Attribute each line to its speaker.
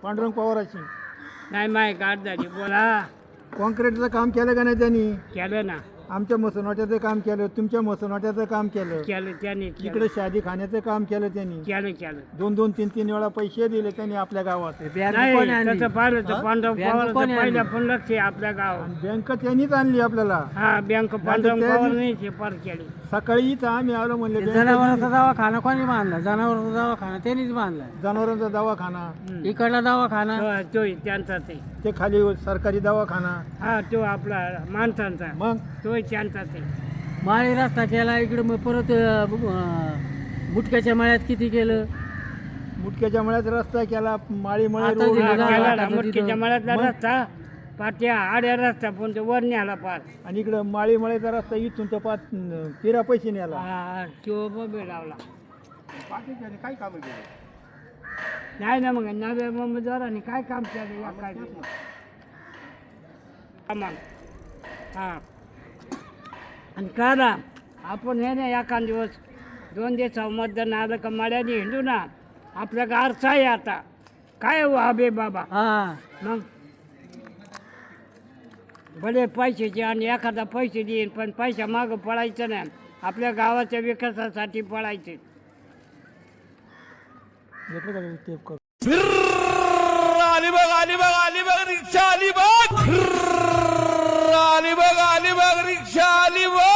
Speaker 1: पांडुरंग पवाराची.
Speaker 2: नाही माय गाठ झाली बोला.
Speaker 1: कॉन्क्रीटचं काम केलं का नाही त्यांनी?
Speaker 2: केलं ना.
Speaker 1: आमच्या मसनवाट्याचं काम केलं, तुमच्या मसनवाट्याचं काम केलं,
Speaker 2: केलं त्याने.
Speaker 1: इकडे शादी खाण्याचं काम केलं त्यांनी.
Speaker 2: केलं
Speaker 1: 2-2, 3-3 वेळा पैसे दिले त्यांनी आपल्या गावात.
Speaker 2: नाही तसं पाहिलं तर
Speaker 1: हा?
Speaker 2: पांडव पवार पहिल्या पण लक्ष आहे आपल्या गावात.
Speaker 1: आणि बँक त्यांनीच आणली आपल्याला.
Speaker 2: हा बँक पांडव पवार नाही पार केली.
Speaker 1: सकाळी इथं आम्ही आलो म्हणले
Speaker 3: जनावरांचा दवाखाना कोणी बांधला? जनावरांचा दवाखाना त्यांनीच बांधला.
Speaker 1: जनावरांचा दवाखाना,
Speaker 3: इकडला दवाखाना
Speaker 2: तो त्यांचा ते.
Speaker 1: खाली सरकारी दवाखाना.
Speaker 2: हा तो आपला माणसांचा.
Speaker 1: मग
Speaker 2: तो त्यांचा ते.
Speaker 3: माळी रस्ता केला इकडे, मग परत बुटक्याच्या मळ्यात किती केलं.
Speaker 1: मुटक्याच्या मळ्यात रस्ता केला, माळी मळे
Speaker 3: आता
Speaker 1: रोड.
Speaker 3: दिलं
Speaker 2: हा,
Speaker 3: गावात
Speaker 2: केला
Speaker 3: आता
Speaker 2: ना, मटकीच्या
Speaker 3: तिथं.
Speaker 2: मळ्यातला रस्ता पाट्या आड्या रस्ता पण तो वर न्याला पार.
Speaker 1: आणि इकडं माळी मळ्याचा रस्ता इथून तर पाच तेरा पैसे नेला.
Speaker 2: हा तो बबे लावला.
Speaker 1: काय काम
Speaker 2: नाही ना मग नव्या मुंबईदारांनी काय काम केलं या काय सामान. हा आणि करा आपण हे ना एखाद दिवस 2 दिवसावर मतदान आलं का मड्याने हिंडू ना. आपल्या गारचा आहे आता काय हो आबे बाबा.
Speaker 3: हा
Speaker 2: मग भले पैशाचे आणि एखादा पैसे देईन पण पैसा मागं पडायचं नाही. आपल्या गावाच्या विकासासाठी पडायचे.
Speaker 4: अलिबाग रिक्षा अलिबाग रिक्षा अलिबाग